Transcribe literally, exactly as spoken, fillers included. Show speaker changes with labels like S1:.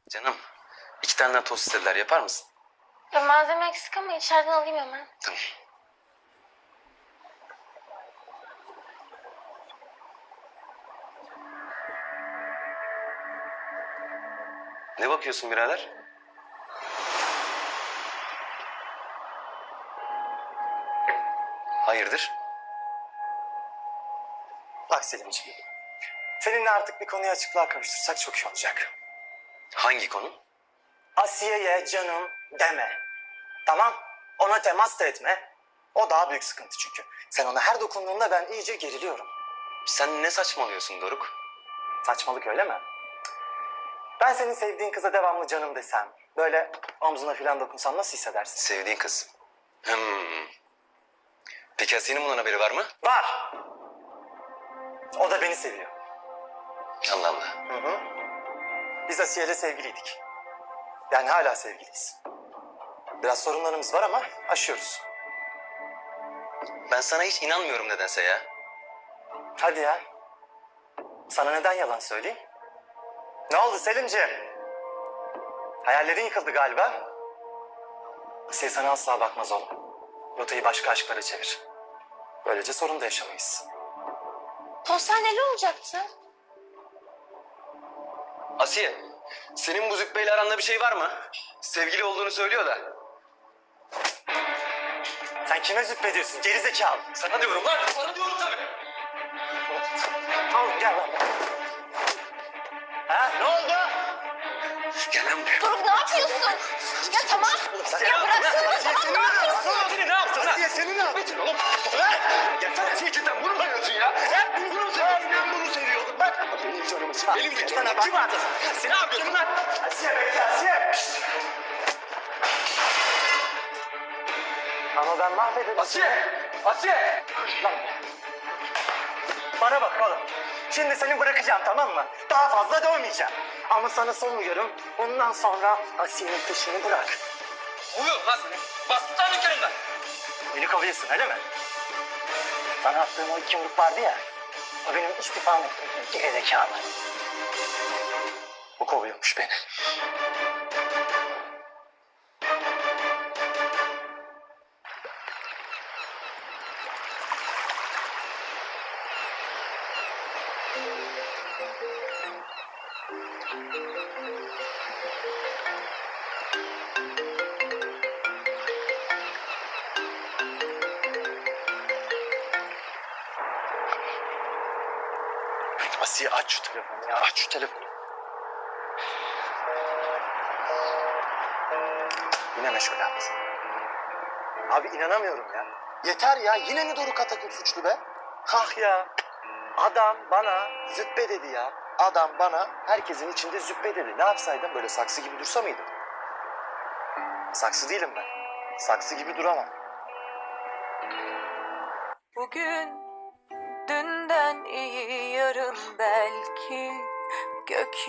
S1: Canım, iki tane daha tost istediler. Yapar mısın?
S2: Ya malzeme eksik ama içeriden alayım hemen.
S1: Tamam. Ne bakıyorsun birader? Hayırdır?
S3: Bak Selimciğim, seninle artık bir konuyu açıklığa kavuştursak çok iyi olacak.
S1: Hangi konu?
S3: Asiye'ye canım deme. Tamam? Ona temas da etme. O daha büyük sıkıntı çünkü. Sen ona her dokunduğunda ben iyice geriliyorum.
S1: Sen ne saçmalıyorsun Doruk?
S3: Saçmalık öyle mi? Ben senin sevdiğin kıza devamlı canım desem, böyle omzuna falan dokunsam nasıl hissedersin?
S1: Sevdiğin kız. Hmm. Peki Asiye'nin bundan haberi var mı?
S3: Var. O da beni seviyor.
S1: Allah Allah.
S3: Hı hı. Biz Asiye'yle sevgiliydik. Yani hala sevgiliyiz. Biraz sorunlarımız var ama aşıyoruz.
S1: Ben sana hiç inanmıyorum nedense ya.
S3: Hadi ya. Sana neden yalan söyleyeyim? Ne oldu Selimciğim? Hayallerin yıkıldı galiba. Asiye sana asla bakmaz oğlum. Rotayı başka aşklara çevir. Böylece sorun da yaşamayız.
S2: Konser neli olacaktı?
S1: Asiye, senin bu Zübbe'yle aranda bir şey var mı? Sevgili olduğunu söylüyor da.
S3: Sen kime züppediyorsun gerizekalı?
S1: Sana diyorum lan, sana diyorum tabii.
S3: Tamam gel lan. Ha ne oldu?
S1: Gel lan buraya.
S2: Doruk ne yapıyorsun? Ya tamam. Ya bıraksana tamam ne yapıyorsun?
S1: Asiye ne yaptın lan?
S3: Asiye seni ne yaptın?
S1: Oğlum, ya sen Asiye cidden bunu mu sanıyorsun ya? He? Bunu bunu mu seviyorsun? Ben bunu seviyordum. Bak, benim canımı sıkı. Benim de
S3: Sana
S1: canımı
S3: bak.
S1: kim attı? Sen ne yapıyorsun lan?
S3: Asiye bekle Asiye. Ama ben mahvederim.
S1: Asiye! Asiye!
S3: Lan. Bana bak oğlum. Şimdi seni bırakacağım tamam mı? Daha fazla dövmeyeceğim. Ama sana son uyarım. Bundan sonra Asiye'nin peşini bırak.
S1: Uyuyor lan seni. Bastı lan dükkanından.
S3: Beni kovuyorsun öyle mi? Sana attığım o iki yumruk vardı ya. O benim istifam ettiğim gerizekalı. Bu kovuyormuş beni. Asiye aç şu telefonu ya. Aç şu telefonu. Yine meşgul attı. Abi inanamıyorum ya. Yeter ya. Yine mi Doruk Atakul suçlu be? Hah ya. Adam bana züppe dedi ya. Adam bana herkesin içinde züppe dedi. Ne yapsaydım böyle saksı gibi dursa mıydım? Saksı değilim ben. Saksı gibi duramam.
S4: Bugün dünden iyi yarın belki gök